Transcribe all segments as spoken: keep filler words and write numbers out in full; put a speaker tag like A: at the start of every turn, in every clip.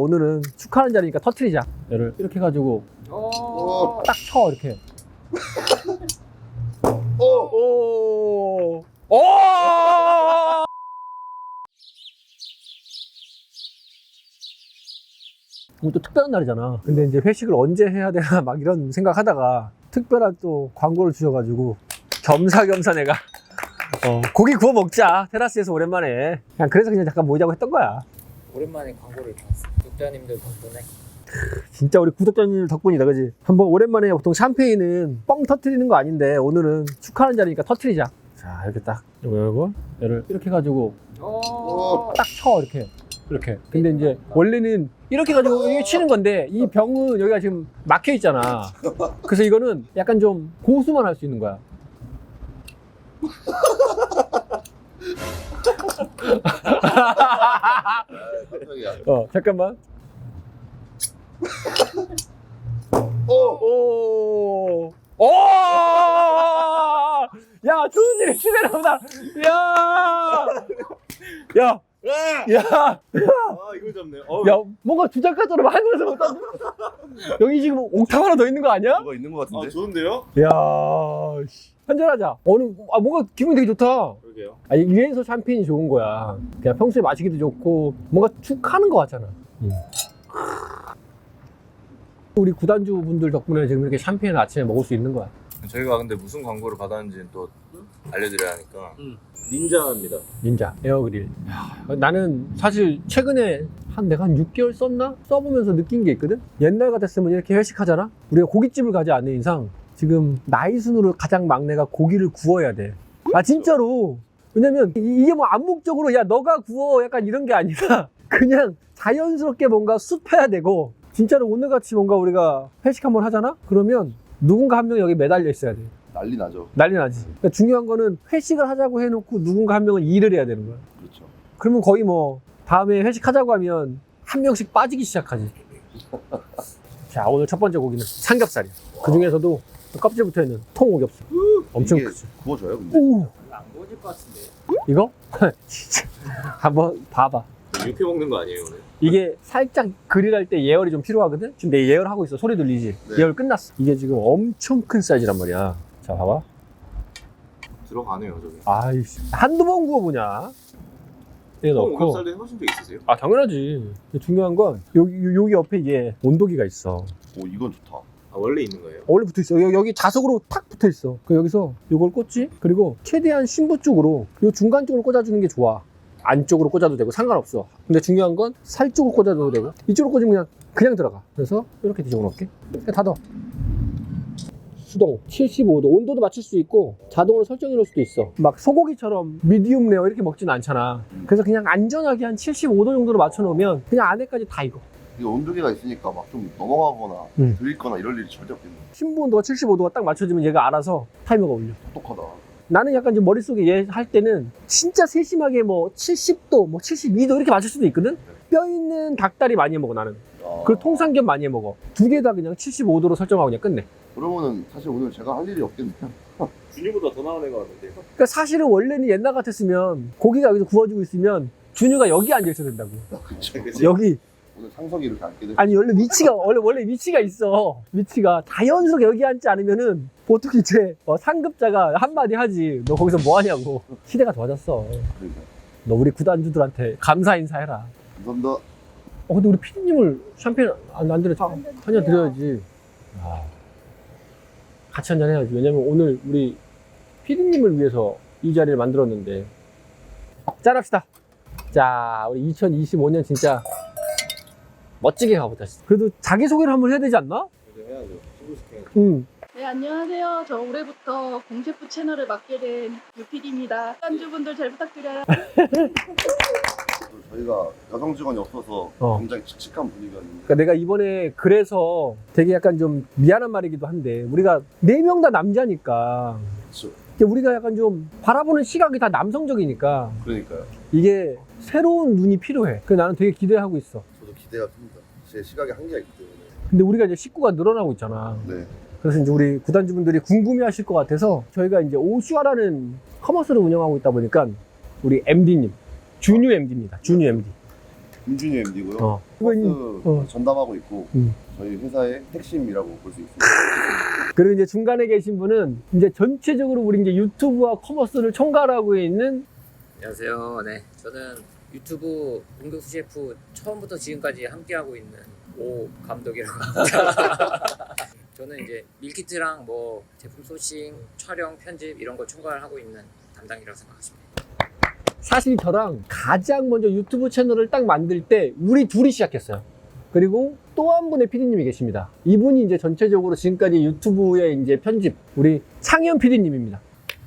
A: 오늘은 축하하는 자리니까 터트리자. 얘를 이렇게 해가지고 딱 쳐 이렇게.
B: 오!
A: 오! 오! 오늘 또 특별한 날이잖아. 근데 이제 회식을 언제 해야 되나 막 이런 생각하다가 특별한 또 광고를 주셔가지고 겸사겸사 내가 어, 고기 구워 먹자. 테라스에서 오랜만에. 그냥 그래서 그냥 잠깐 모이자고 했던 거야.
C: 오랜만에 광고를 봤어. 구독자님들 덕분에.
A: 진짜 우리 구독자님 덕분이다, 그지? 한번 오랜만에 보통 샴페인은 뻥 터트리는 거 아닌데 오늘은 축하하는 자리니까 터트리자. 자, 이렇게 딱 요거 요거 얘를 이렇게 해가지고 딱 쳐 이렇게 이렇게. 근데 이제 원래는 이렇게 해가지고 이게 치는 건데 이 병은 여기가 지금 막혀 있잖아. 그래서 이거는 약간 좀 고수만 할 수 있는 거야. 어, 잠깐만.
B: 오!
A: 오! 오! 야, 좋은 일이 시대나 보다. 야! 야! 야!
B: 아, 이거 잡네요. 어,
A: 야, 뭔가 주작가처럼 하늘에서 못 던져. 여기 지금 옥탑 하나 더 있는 거 아니야?
B: 뭐가 있는 것 같은데? 아, 좋은데요?
A: 야, 씨. 한잔하자. 어느, 아, 뭔가 기분이 되게 좋다.
B: 그러게요.
A: 아, 이래서 샴페인이 좋은 거야. 그냥 평소에 마시기도 좋고, 뭔가 축하는 거 같잖아. 음. 우리 구단주 분들 덕분에 지금 이렇게 샴페인을 아침에 먹을 수 있는 거야.
D: 저희가 근데 무슨 광고를 받았는지는 또 알려드려야 하니까. 음. 닌자입니다.
A: 닌자 에어그릴. 야, 나는 사실 최근에 한 내가 한 육 개월 썼나? 써보면서 느낀 게 있거든? 옛날 같았으면 이렇게 회식하잖아? 우리가 고깃집을 가지 않는 이상 지금 나이 순으로 가장 막내가 고기를 구워야 돼. 아 진짜로. 왜냐면 이- 이게 뭐 암묵적으로 야 너가 구워 약간 이런 게 아니라 그냥 자연스럽게 뭔가 숲해야 되고, 진짜로 오늘같이 뭔가 우리가 회식 한번 하잖아? 그러면 누군가 한 명이 여기 매달려 있어야 돼.
B: 난리 나죠.
A: 난리 나지. 그러니까 중요한 거는 회식을 하자고 해놓고 누군가 한 명은 일을 해야 되는 거야.
B: 그렇죠.
A: 그러면 거의 뭐 다음에 회식하자고 하면 한 명씩 빠지기 시작하지. 자, 오늘 첫 번째 고기는 삼겹살이야. 그 중에서도 껍질 붙어 있는 통오겹살. 엄청
B: 이게
A: 크지.
B: 구워져요, 근데?
A: 오,
C: 안 구워질 것 같은데.
A: 이거? 진짜. 한번 봐봐.
D: 육회 먹는 거 아니에요 오늘?
A: 이게 살짝 그릴할 때 예열이 좀 필요하거든? 지금 내 예열하고 있어. 소리 들리지?
B: 네.
A: 예열 끝났어. 이게 지금 엄청 큰 사이즈란 말이야. 자, 봐봐.
D: 들어가네요 저기.
A: 아이씨. 한두 번 구워보냐? 이거 넣고.
D: 오겹살도 해보신 적 있으세요?
A: 아, 당연하지. 근데 중요한 건 여기, 여기 옆에 이게 온도기가 있어.
B: 오, 이건 좋다.
D: 아 원래 있는 거예요?
A: 원래 붙어 있어. 여기, 여기 자석으로 탁 붙어 있어. 그 여기서 이걸 꽂지? 그리고 최대한 신부 쪽으로 이 중간 쪽으로 꽂아주는 게 좋아. 안쪽으로 꽂아도 되고 상관없어. 근데 중요한 건 살 쪽으로 꽂아도 되고 이쪽으로 꽂으면 그냥 그냥 들어가. 그래서 이렇게 뒤집어 놓을게. 그냥 닫아. 수동 칠십오 도 온도도 맞출 수 있고 자동으로 설정해 놓을 수도 있어. 막 소고기처럼 미디움 레어 이렇게 먹지는 않잖아. 그래서 그냥 안전하게 한 칠십오 도 정도로 맞춰 놓으면 그냥 안에까지 다 익어.
B: 이게 온도계가 있으니까 막 좀 넘어가거나
A: 음.
B: 들있거나 이럴 일이 절대 없겠네.
A: 신부 온도가 칠십오 도가 딱 맞춰지면 얘가 알아서 타이머가 울려.
B: 똑똑하다.
A: 나는 약간 좀 머릿속에 얘 할 때는 진짜 세심하게 뭐 칠십 도, 뭐 칠십이 도 이렇게 맞출 수도 있거든? 뼈 있는 닭다리 많이 해 먹어, 나는.
B: 아,
A: 그리고 통삼겹 많이 해 먹어. 두 개 다 그냥 칠십오 도로 설정하고 그냥 끝내.
B: 그러면은 사실 오늘 제가 할 일이 없겠네요.
D: 준이보다 더 나은 애가 왔는데요?
A: 그러니까 사실은 원래는 옛날 같았으면 고기가 여기서 구워지고 있으면 준유가 여기 앉아 있어야 된다고.
B: 그치, 그치.
A: 여기.
B: 오늘 상석이 이렇게 앉게 될
A: 아니, 원래 위치가, 원래, 원래 위치가 있어. 위치가. 자연스럽게 여기 앉지 않으면은 보통 이제 어, 상급자가 한마디 하지. 너 거기서 뭐 하냐고. 시대가 좋아졌어.
B: 그러니까.
A: 너 우리 구단주들한테 감사 인사해라.
B: 감사합니다.
A: 어, 근데 우리 피디님을 샴페인 안, 안 드렸지? 한잔 드려야지. 아, 같이 한잔 해야지. 왜냐면 오늘 우리 피디님을 위해서 이 자리를 만들었는데. 짠합시다. 자, 우리 이천이십오 년 진짜 멋지게 가보자. 그래도 자기소개를 한번 해야 되지 않나?
D: 이제 해야죠. 신고시켜야죠.
A: 응.
E: 네, 안녕하세요. 저 올해부터 공셰프 채널을 맡게 된 유피디입니다. 단주분들 잘 부탁드려요.
B: 저희가 여성 직원이 없어서
A: 어.
B: 굉장히 칙칙한 분위기였는데
A: 그러니까 내가 이번에 그래서 되게 약간 좀 미안한 말이기도 한데, 우리가 네 명 다 남자니까
B: 그렇죠.
A: 이게 우리가 약간 좀 바라보는 시각이 다 남성적이니까
B: 그러니까요.
A: 이게 새로운 눈이 필요해. 그래서 나는 되게 기대하고 있어.
B: 저도 기대가 큽니다. 제 시각에 한계가 있기 때문에.
A: 근데 우리가 이제 식구가 늘어나고 있잖아.
B: 네.
A: 그래서 이제 우리 구단주분들이 궁금해 하실 것 같아서 저희가 이제 오슈아라는 커머스를 운영하고 있다 보니까 우리 엠디님, 준유 엠디입니다. 준유 엠디.
B: 김준희 엠디고요.
A: 어. 이거 이제,
B: 코스
A: 어.
B: 전담하고 있고
A: 음.
B: 저희 회사의 핵심이라고 볼 수 있습니다.
A: 그리고 이제 중간에 계신 분은 이제 전체적으로 우리 이제 유튜브와 커머스를 총괄하고 있는
C: 안녕하세요. 네, 저는 유튜브 공격수 셰프 처음부터 지금까지 함께하고 있는 오 감독이라고 합니다. 저는 이제 밀키트랑 뭐 제품 소싱, 촬영, 편집 이런 거 총괄하고 있는 담당이라고 생각하시면 돼요.
A: 사실 저랑 가장 먼저 유튜브 채널을 딱 만들 때 우리 둘이 시작했어요. 그리고 또 한 분의 피디님이 계십니다. 이분이 이제 전체적으로 지금까지 유튜브의 이제 편집, 우리 창현 피디님입니다.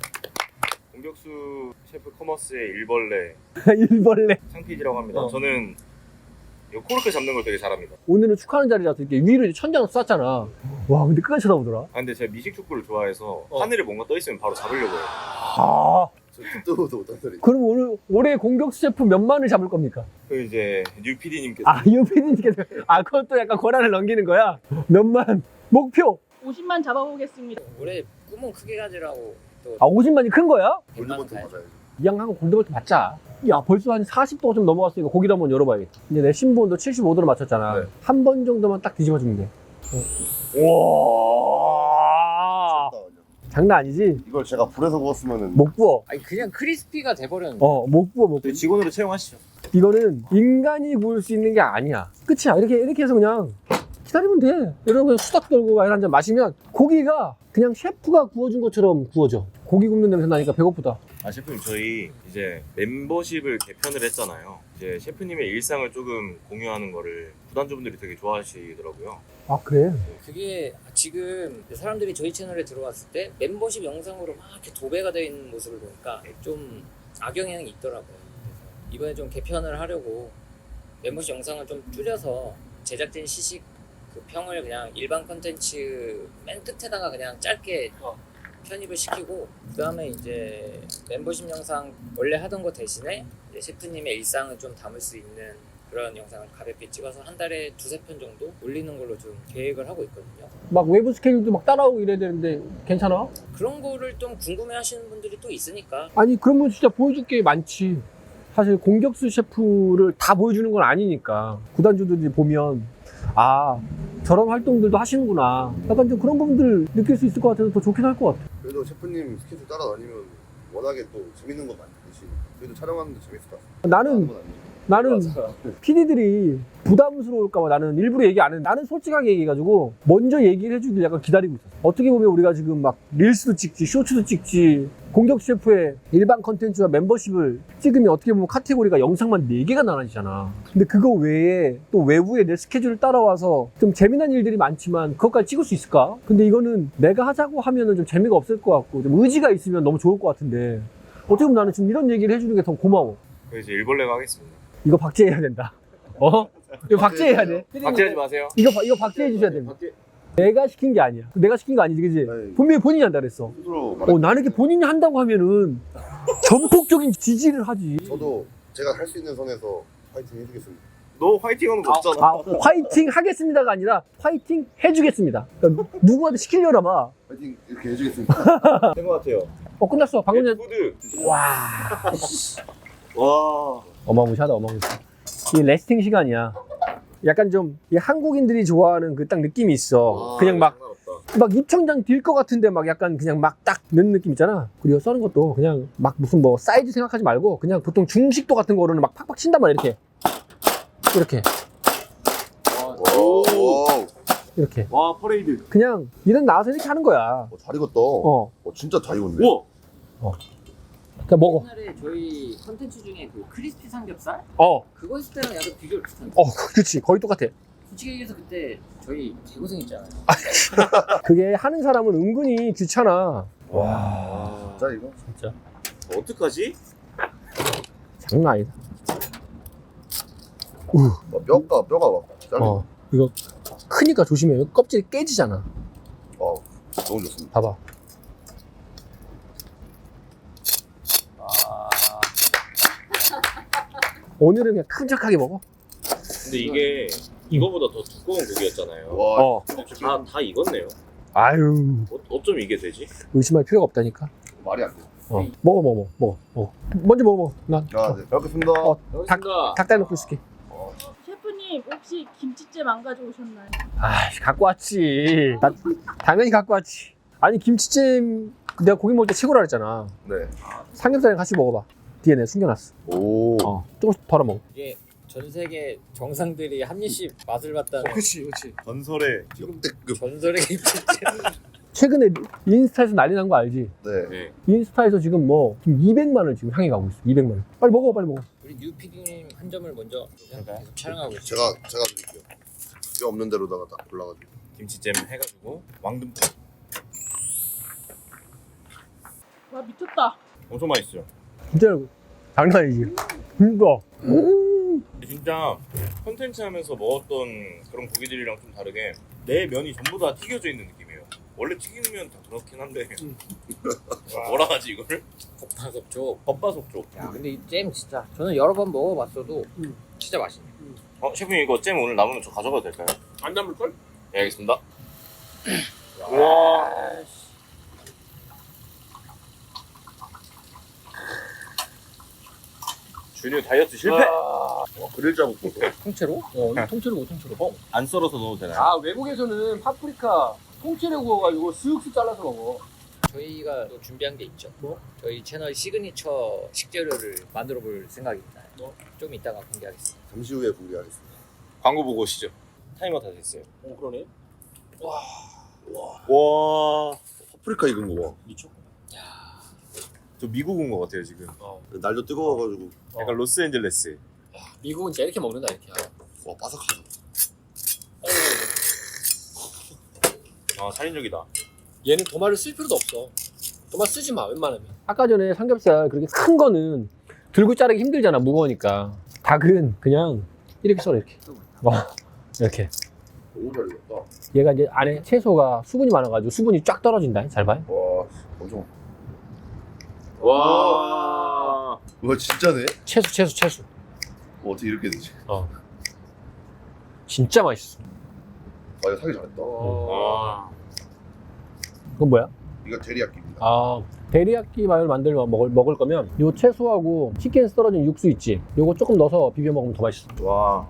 D: 공격수 셰프 커머스의 일벌레
A: 일벌레.
D: 창피디라고 합니다.
A: 어.
D: 저는 이 코르크 잡는 걸 되게 잘합니다.
A: 오늘은 축하하는 자리라서 이렇게 위로 이제 천장을 쐈잖아. 와, 근데 끝까지 쳐다보더라.
D: 아 근데 제가 미식 축구를 좋아해서
A: 어.
D: 하늘에 뭔가 떠 있으면 바로 잡으려고 해요.
A: 아,
B: 저 듣도 못한 소리.
A: 그럼 오늘 올해 공격수 셰프 몇 만을 잡을 겁니까?
D: 그 이제 뉴 피디님께서
A: 아, 이 피디님께서 아, 그것도 약간 권한을 넘기는 거야. 몇만 목표.
E: 오십만 잡아보겠습니다.
C: 올해 꿈은 크게 가지라고 또
A: 아, 오십만이 큰 거야?
C: 백만
B: 골드버튼
C: 가야죠.
B: 맞아야죠.
A: 이왕하고 골드볼트 받자. 야, 벌써 한 사십 도가 좀 넘어갔으니까 고기를 한번 열어봐야겠다. 이제 내 신부온도 칠십오 도로 맞췄잖아.
B: 네.
A: 한 번 정도만 딱 뒤집어주면 돼. 와,
B: 춥다, 그냥.
A: 장난 아니지?
B: 이걸 제가 불에서 구웠으면은
A: 못 구워.
C: 아니 그냥 크리스피가 돼버렸는데.
A: 어, 못 구워, 못 구워.
D: 저희 직원으로 채용하시죠.
A: 이거는 인간이 구울 수 있는 게 아니야. 끝이야. 이렇게, 이렇게 해서 그냥 기다리면 돼. 이러고 그냥 수다 떨고 와인 한 잔 마시면 고기가 그냥 셰프가 구워준 것처럼 구워져. 고기 굽는 냄새 나니까 배고프다.
D: 아 셰프님 저희 이제 멤버십을 개편을 했잖아요. 이제 셰프님의 일상을 조금 공유하는 거를 구단주분들이 되게 좋아하시더라고요.
A: 아, 그래?
C: 그게 지금 사람들이 저희 채널에 들어왔을 때 멤버십 영상으로 막 이렇게 도배가 되어 있는 모습을 보니까 좀 악영향이 있더라고요. 그래서 이번에 좀 개편을 하려고 멤버십 영상을 좀 줄여서 제작진 시식 그 평을 그냥 일반 컨텐츠 맨 끝에다가 그냥 짧게 편입을 시키고, 그 다음에 이제 멤버십 영상 원래 하던 거 대신에 이제 셰프님의 일상을 좀 담을 수 있는 그런 영상을 가볍게 찍어서 한 달에 두세 편 정도 올리는 걸로 좀 계획을 하고 있거든요.
A: 막 외부 스케줄도 막 따라오고 이래야 되는데 괜찮아?
C: 그런 거를 좀 궁금해 하시는 분들이 또 있으니까.
A: 아니, 그러면 진짜 보여줄 게 많지. 사실 공격수 셰프를 다 보여주는 건 아니니까 구단주들이 보면 아, 저런 활동들도 하시는구나. 약간 좀 그런 부분들 느낄 수 있을 것 같아서 더 좋긴 할 것 같아.
B: 그래도 셰프님 스케줄 따라다니면 워낙에 또 재밌는 거 많듯이 그래도 촬영하는데 재밌을 것 같아요.
A: 나는,
B: 건 아니죠.
A: 나는 피디들이 부담스러울까봐 나는 일부러 얘기 안 해. 나는 솔직하게 얘기해가지고 먼저 얘기를 해주길 약간 기다리고 있었어. 어떻게 보면 우리가 지금 막 릴스도 찍지, 쇼츠도 찍지, 공격 셰프의 일반 컨텐츠와 멤버십을 찍으면 어떻게 보면 카테고리가 영상만 네 개가 나눠지잖아. 근데 그거 외에 또 외부에 내 스케줄을 따라와서 좀 재미난 일들이 많지만 그것까지 찍을 수 있을까? 근데 이거는 내가 하자고 하면은 좀 재미가 없을 것 같고 좀 의지가 있으면 너무 좋을 것 같은데 어떻게 보면 나는 지금 이런 얘기를 해주는 게 더 고마워.
D: 그래서 이제 일벌레가 하겠습니다.
A: 이거 박제해야 된다. 어? 이거 박제해야 돼.
D: 박제하지 마세요.
A: 이거, 바- 이거 박제해 주셔야 됩니다.
D: 박제.
A: 내가 시킨 게 아니야. 내가 시킨 거 아니지, 그지?
B: 네.
A: 분명히 본인이 한다 그랬어.
B: 스스로 말해.
A: 어, 나는 이렇게 본인이 한다고 하면은 전폭적인 지지를 하지.
B: 저도 제가 할 수 있는 선에서 파이팅 해주겠습니다.
D: 너 화이팅하는 거 없잖아.
A: 아, 화이팅 하겠습니다가 아니라 화이팅 해주겠습니다. 그러니까 누구한테 시키려나 봐.
B: 파이팅 이렇게 해주겠습니다.
D: 된 것 같아요.
A: 어, 끝났어. 방금 전.
D: 푸드.
A: 와.
D: 와.
A: 어마무시하다, 어마무시. 이 레스팅 시간이야. 약간 좀 이 한국인들이 좋아하는 그 딱 느낌이 있어.
D: 아,
A: 그냥 막
D: 상관없다.
A: 막 입천장 딜 것 같은데 막 약간 그냥 막 딱 넣는 느낌 있잖아. 그리고 써는 것도 그냥 막 무슨 뭐 사이즈 생각하지 말고 그냥 보통 중식도 같은 거로는 막 팍팍 친단 말이야. 이렇게 이렇게
B: 오,
A: 이렇게
D: 와 퍼레이드.
A: 그냥 일은 나와서 이렇게 하는 거야.
B: 어, 잘 익었다.
A: 어,
B: 어, 진짜 다 익었네.
D: 우와.
A: 그냥 먹어.
C: 옛날에 저희 컨텐츠 중에 그 크리스피 삼겹살?
A: 어,
C: 그거 했을 때랑 약간 비교를 비슷한데.
A: 어, 그렇지. 거의 똑같아.
C: 솔직히 얘기해서 그때 저희 개고생했잖아요.
A: 그게 하는 사람은 은근히 귀찮아.
D: 와.
B: 진짜 이거?
A: 진짜
D: 어떡하지?
A: 장난 아니다.
B: 어, 뼈가 뼈가 막 잘려.
A: 어, 이거 크니까 조심해. 껍질이 깨지잖아.
B: 어, 너무 좋습니다.
A: 봐봐. 오늘은 그냥 큼직하게 먹어.
D: 근데 이게 이거보다 더 두꺼운 고기였잖아요.
B: 와,
A: 어.
D: 다, 다 익었네요.
A: 아유,
D: 어, 어쩜 이게 되지?
A: 의심할 필요가 없다니까.
B: 말이 안 돼.
A: 어. 먹어, 먹어, 먹어, 먹어. 먼저 먹어, 먹어. 난
B: 아, 네. 잘 먹겠습니다.
A: 어.
C: 여기습니다
A: 닭 대놓고 있을게.
B: 어,
E: 셰프님 혹시 김치찜 안 가져오셨나요?
A: 아, 갖고 왔지. 나 당연히 갖고 왔지. 아니 김치찜 내가 고기 먹을 때 최고라 그랬잖아.
B: 네.
A: 삼겹살이랑 같이 먹어봐. 뒤에 내가 숨겨놨어.
B: 오.
A: 어, 조금씩 덜어 먹어.
C: 이게 전 세계 정상들이 한 입씩 맛을 봤다는
A: 그렇지, 그렇지.
B: 전설의 역대급.
C: 전설의 김치찜.
A: 최근에 인스타에서 난리 난 거 알지?
B: 네.
D: 네.
A: 인스타에서 지금 뭐 지금 이백만을 지금 향해 가고 있어. 이백만 원. 빨리 먹어, 빨리 먹어.
C: 우리 뉴 피디님 한 점을 먼저 계속 촬영하고 있어요.
B: 제가 제가 드릴게요. 뼈 없는 데로다가 딱 골라가지고.
D: 김치찜 해가지고 왕듬
E: 와 미쳤다.
D: 엄청 맛있어요.
A: 진짜 장난 아니지. 이거. 음.
D: 진짜 컨텐츠 하면서 먹었던 그런 고기들이랑 좀 다르게 내 면이 전부 다 튀겨져 있는 느낌이에요. 원래 튀기는 면 다 그렇긴 한데 뭐라 하지 이거를?
C: 겉바속촉.
D: 겉바속촉.
C: 야 근데 이 잼 진짜 저는 여러 번 먹어봤어도 진짜 맛있네.
D: 어 셰프님 이거 잼 오늘 남으면 저 가져가도 될까요?
A: 안 남을걸?
D: 네 알겠습니다. 와. 준이 다이어트 실패.
B: 와, 그릴자 볶음.
C: 통째로?
A: 어, 이거 통째로 뭐 통째로. 어?
D: 안 썰어서 넣어도 되나요?
A: 아, 외국에서는 파프리카 통째로 구워가지고 쓱쓱 잘라서 먹어.
C: 저희가 또 준비한 게 있죠.
A: 뭐?
C: 저희 채널 시그니처 식재료를 만들어 볼 생각입니다.
A: 뭐?
C: 좀 이따가 공개하겠습니다.
B: 잠시 후에 공개하겠습니다.
D: 광고 보고 오시죠. 타이머 다 됐어요.
A: 어, 그러네.
D: 와.
B: 파프리카 익은 거 봐.
A: 미쳤구나.
D: 저 미국 온 것 같아요 지금.
A: 어.
B: 날도 뜨거워가지고.
D: 약간 로스앤젤레스.
A: 미국은 진짜 이렇게 먹는다, 이렇게.
B: 와, 바삭하다.
D: 아 살인적이다.
A: 얘는 도마를 쓸 필요도 없어. 도마 쓰지 마, 웬만하면. 아까 전에 삼겹살 그렇게 큰 거는 들고 자르기 힘들잖아, 무거우니까. 닭은 그냥 이렇게 썰어, 이렇게. 어, 이렇게.
B: 너무 잘 익었다.
A: 얘가 이제 안에 채소가 수분이 많아가지고 수분이 쫙 떨어진다. 잘 봐요.
B: 와, 엄청.
D: 와.
B: 와, 진짜네?
A: 채소, 채소, 채소.
B: 뭐 어떻게 이렇게 되지?
A: 어. 진짜 맛있어.
B: 아, 이거 사기 잘했다.
D: 와.
A: 그건 뭐야?
B: 이거 데리야끼입니다.
A: 아, 데리야끼 마요를 만들어 먹을, 먹을 거면 요 채소하고 치킨에서 떨어진 육수 있지? 요거 조금 넣어서 비벼 먹으면 더 맛있어.
D: 와.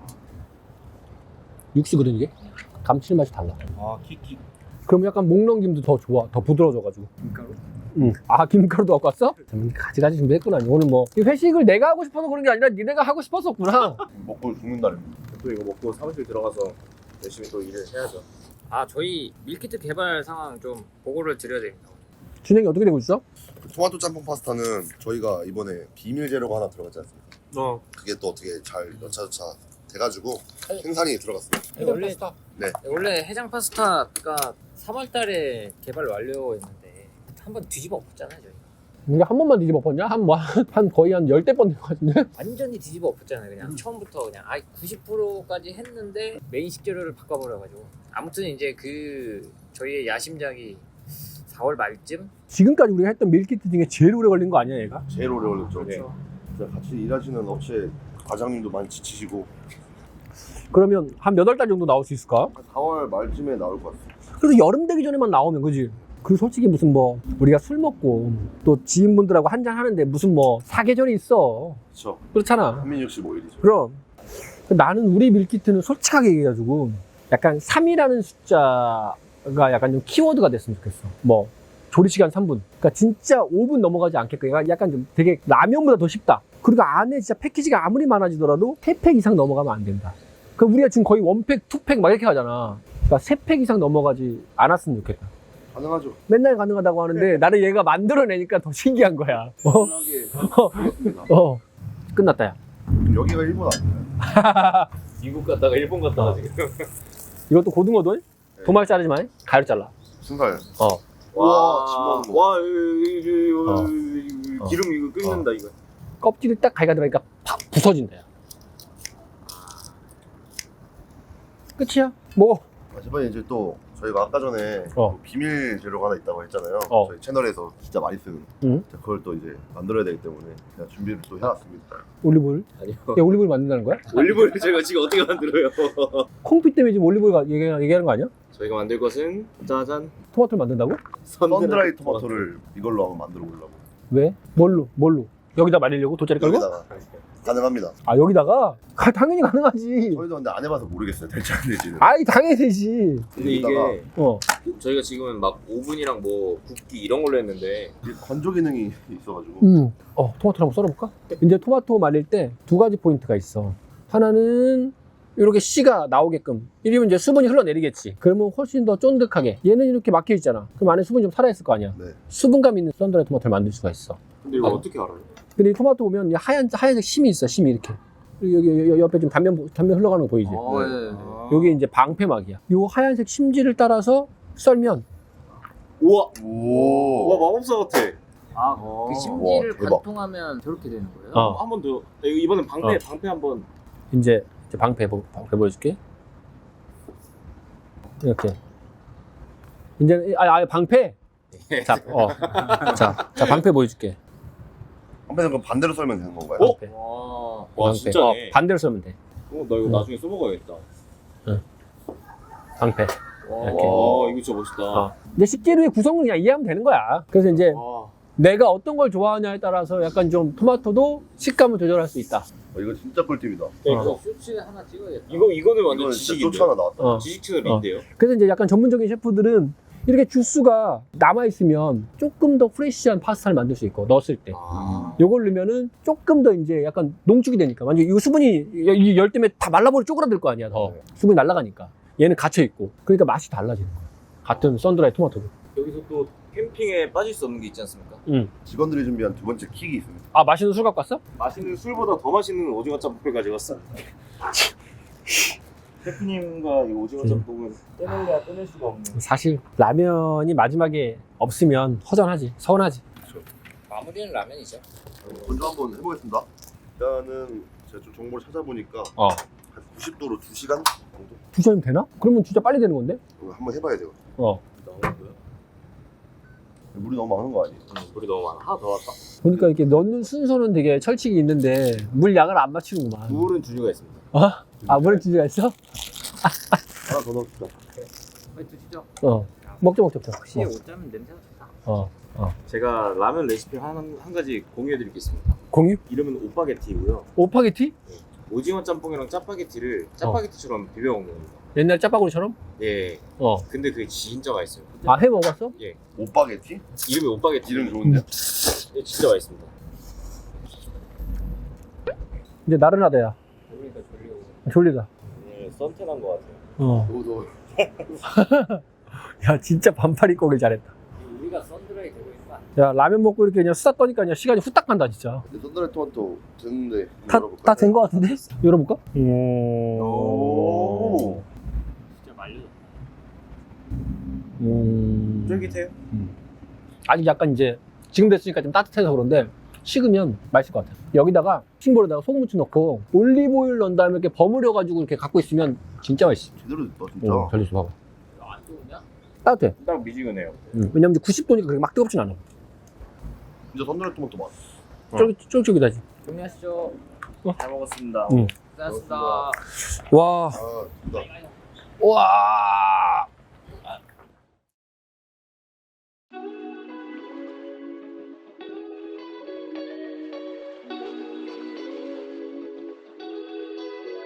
A: 육수거든 이게? 감칠맛이 달라.
D: 아 키키.
A: 그럼 약간 목 넘김도 더 좋아. 더 부드러워져가지고. 김가루? 응. 아, 김가루도 갖고 왔어? 가지가지 준비했구나. 오늘 뭐. 이 회식을 내가 하고 싶어서 그런 게 아니라 니네가 하고 싶었었구나.
B: 먹고 죽는다는.
D: 또 이거 먹고 사무실 들어가서 열심히 또 일을 해야죠.
C: 아 저희 밀키트 개발 상황 좀 보고를 드려야 됩니다.
A: 진행이 어떻게 되고 있어?
B: 토마토 짬뽕 파스타는 저희가 이번에 비밀 재료가 하나 들어갔지 않습니까?
A: 어.
B: 그게 또 어떻게 잘 여차저차 돼가지고 생산이 들어갔어요.
C: 아니, 원래
B: 네.
C: 원래 해장 파스타가 삼월 달에 개발 완료했는데 한번 뒤집어 엎었잖아요 저희.
A: 이게 한 번만 뒤집어 엎었냐? 한, 뭐, 한 거의 한 열대 번 된 것 같은데?
C: 완전히 뒤집어 엎었잖아요. 그냥 처음부터 그냥 아예 구십 퍼센트까지 했는데 메인 식재료를 바꿔버려가지고 아무튼 이제 그 저희의 야심작이 사월 말쯤
A: 지금까지 우리가 했던 밀키트 중에 제일 오래 걸린 거 아니야, 얘가?
B: 제일 오래 걸렸죠.
D: 네.
B: 진짜 같이 일하시는 업체 과장님도 많이 지치시고
A: 그러면 한 몇 월 달 정도 나올 수 있을까?
B: 사월 말쯤에 나올 것 같아요.
A: 그래도 여름 되기 전에만 나오면 그지? 그 솔직히 무슨 뭐 우리가 술 먹고 또 지인분들하고 한잔 하는데 무슨 뭐 사계절이 있어.
B: 그렇죠.
A: 그렇잖아.
B: 삼백육십오 일이죠.
A: 그럼 나는 우리 밀키트는 솔직하게 얘기해가지고 약간 삼이라는 숫자가 약간 좀 키워드가 됐으면 좋겠어. 뭐 조리시간 삼 분. 그러니까 진짜 오 분 넘어가지 않게끔 얘가 약간 좀 되게 라면보다 더 쉽다. 그리고 안에 진짜 패키지가 아무리 많아지더라도 세 팩 이상 넘어가면 안 된다. 그럼 우리가 지금 거의 원 팩, 투 팩 막 이렇게 가잖아. 그러니까 세 팩 이상 넘어가지 않았으면 좋겠다.
B: 가능하죠.
A: 맨날 가능하다고 하는데 나는 얘가 만들어내니까 더 신기한 거야. 어?
B: 편하게 하겠습니다.
A: 어. 끝났다, 야.
B: 여기가 일본 아니에요?
D: 미국 갔다가 일본 갔다가 지금.
A: 이것도 고등어도 도말 자르지 마. 가위로 잘라.
B: 순살.
A: 어.
B: 와, 집 먹는 거.
D: 와, 이거,
A: 어.
D: 이거,
A: 어.
D: 기름 이거 끓는다 이거.
A: 껍질이 딱 가위가 들어가니까 팍 부서진다, 야. 끝이야? 먹어.
B: 하지만 이제 또 저희가 아까 전에
A: 어.
B: 또 비밀 재료가 하나 있다고 했잖아요.
A: 어.
B: 저희 채널에서 진짜 많이 쓰는.
A: 응?
B: 그걸 또 이제 만들어야 되기 때문에 제가 준비를 또 해놨습니다.
A: 올리브오일?
D: 아니요.
A: 야, 올리브오일 만든다는 거야?
D: 올리브오일 제가 지금 어떻게 만들어요?
A: 콩피 때문에 지금 올리브오일 가- 얘기, 얘기하는 거 아니야?
D: 저희가 만들 것은 짜잔
A: 토마토를 만든다고?
B: 썬드라이 토마토를 이걸로 한번 만들어 보려고.
A: 왜? 뭘로? 뭘로? 여기다 말리려고? 돗자리 깔고?
B: 여기다가 가능합니다.
A: 아 여기다가? 가- 당연히 가능하지.
B: 저희도 근데 안 해봐서 모르겠어요. 될지 안 될지는.
A: 아이 당연히 되지.
D: 근데 이게
B: 여기다가
A: 어.
D: 저희가 지금은 막 오븐이랑 뭐 굽기 이런 걸로 했는데
B: 이게 건조 기능이 있어가지고
A: 음. 어 토마토를 한번 썰어볼까? 이제 토마토 말릴 때 두 가지 포인트가 있어. 하나는 이렇게 씨가 나오게끔. 이러면 이제 수분이 흘러내리겠지. 그러면 훨씬 더 쫀득하게. 얘는 이렇게 막혀 있잖아. 그럼 안에 수분이 좀 살아있을 거 아니야.
B: 네.
A: 수분감 있는 썬드라이 토마토를 만들 수가 있어.
D: 근데 이거
A: 어.
D: 어떻게 알아요?
A: 근데 이 토마토 보면 이 하얀 하얀색 심이 있어. 심이 이렇게. 그리고 여기, 여기 옆에 좀 단면 단면 흘러가는 거 보이지?
C: 어,
B: 네.
C: 예.
A: 여기 이제 방패막이야. 요 하얀색 심지를 따라서 썰면
D: 우와
B: 오.
D: 와 마법사 같아.
C: 아,
D: 어.
C: 그 심지를
B: 와, 대박.
C: 관통하면 저렇게 되는 거예요?
A: 어.
D: 한 번 더. 이번엔 방패
A: 어.
D: 방패 한번.
A: 이제, 이제 방패 보, 방패 보여줄게. 이렇게. 이제 아, 아 방패. 자, 어. 자, 자 방패 보여줄게.
B: 한편은 그럼 반대로 썰면 되는 건가요?
D: 어?
A: 방패.
D: 와, 와
A: 방패.
D: 진짜네.
A: 어, 반대로 썰면 돼.
D: 어, 나 이거
A: 응.
D: 나중에 써먹어야겠다.
A: 방패.
D: 와,
A: 이렇게.
D: 와 이거 진짜 멋있다.
A: 어. 이제 식재료의 구성을 그냥 이해하면 되는 거야. 그래서 이제
D: 와.
A: 내가 어떤 걸 좋아하냐에 따라서 약간 좀 토마토도 식감을 조절할 수 있다.
B: 어, 이거 진짜 꿀팁이다.
D: 네,
A: 어.
D: 이거
C: 쇼츠 하나 찍어야겠다.
D: 이거 이거는 완전
B: 이거 진짜
D: 지식인데.
B: 쫓 하나 나왔다.
A: 어.
D: 지식 채널인데요.
A: 그래서 이제 약간 전문적인 셰프들은 이렇게 주스가 남아있으면 조금 더 프레시한 파스타를 만들 수 있고, 넣었을 때.
D: 아.
A: 요걸 넣으면은 조금 더 이제 약간 농축이 되니까. 완전 이거 수분이 이 열 때문에 다 말라버려 쪼그라들 거 아니야, 더.
B: 네.
A: 수분이 날아가니까. 얘는 갇혀있고. 그러니까 맛이 달라지는 거야. 같은 썬드라이 토마토도.
D: 여기서 또 캠핑에 빠질 수 없는 게 있지 않습니까?
A: 응.
B: 직원들이 준비한 두 번째 킥이 있습니다.
A: 아, 맛있는 술 갖고 왔어?
D: 맛있는 술보다 더 맛있는 오징어 짬뽕을 가져왔어. 셰프님과 이 오징어
A: 음.
D: 짬뽕은 떼낼래야 떼낼 수가 없는.
A: 사실 라면이 마지막에 없으면 허전하지. 서운하지.
C: 마무리는 라면이죠.
B: 건조 한번 해보겠습니다. 일단은 제가 좀 정보를 찾아보니까
A: 어.
B: 한 구십 도로 두 시간 정도?
A: 두 시간이면 되나? 그러면 진짜 빨리 되는 건데?
B: 이거 한번 해봐야 돼요.
A: 어.
D: 나오는 거야?
B: 물이 너무 많은 거 아니에요?
D: 응, 물이 너무 많아. 하나 더 왔다.
A: 보니까 이렇게 넣는 순서는 되게 철칙이 있는데 물 양을 안 맞추는구만.
D: 물은 주류가 있습니다.
A: 어? 아, 물에 주제가 있어?
B: 하나 더 넣읍시다.
C: 빨리 드시죠.
A: 어. 먹자, 먹자, 먹자.
C: 확실히
A: 어.
C: 옷 짜면 냄새가 좋다.
A: 어.
D: 제가 라면 레시피 한, 한 가지 공유해드릴 게 있습니다.
A: 공유?
D: 이름은 오빠게티고요.
A: 오파게티?
D: 오징어 짬뽕이랑 짜파게티를 짜파게티처럼 비벼 먹는 겁니다.
A: 옛날 짜파구리처럼?
D: 예.
A: 어.
D: 근데 그게 진짜 맛있어요.
A: 아, 해 먹었어?
B: 오빠게티?
D: 이름이 오빠게티.
B: 이름 좋은데?
D: 예, 진짜 맛있습니다.
A: 이제 나른하다야.
C: 그러니까 졸리고.
A: 졸리다.
D: 오늘 썬텐한 것 같아요.
A: 어.
B: 너무 더워.
A: 야, 진짜 반팔 입고 오길 잘했다.
C: 우리가 썬드라이 되고 있는 거 아니야?
A: 야, 라면 먹고 이렇게 그냥 수다 떠니까 그냥 시간이 후딱 간다, 진짜.
B: 근데 썬드라이 토마토 됐는데
A: 다, 다 된 거 같은데? 열어볼까? 오.
B: 오.
C: 진짜 말려졌다.
A: 음.
D: 쫄깃해요?
A: 아직 약간 이제 지금 됐으니까 좀 따뜻해서 그런데 식으면 맛있을 것 같아. 여기다가 싱볼에다가 소금 무치 넣고 올리브오일 넣은 다음에 이렇게 버무려가지고 이렇게 갖고 있으면 진짜 맛있어.
B: 제대로 됐다 진짜.
A: 어, 잘 됐어, 봐봐.
C: 이거 안 좋으냐?
A: 따뜻해.
D: 딱 미지근해요.
A: 음. 왜냐면 이제 구십 도니까 그렇게 막 뜨겁진 않아.
B: 진짜 썬드라이 토마토 맛.
A: 어. 쫄깃, 쫄깃쫄깃하지.
C: 정리하시죠.
D: 잘 먹었습니다.
A: 응.
C: 고생하셨습니다.
A: 와,
B: 아 진짜.
A: 와.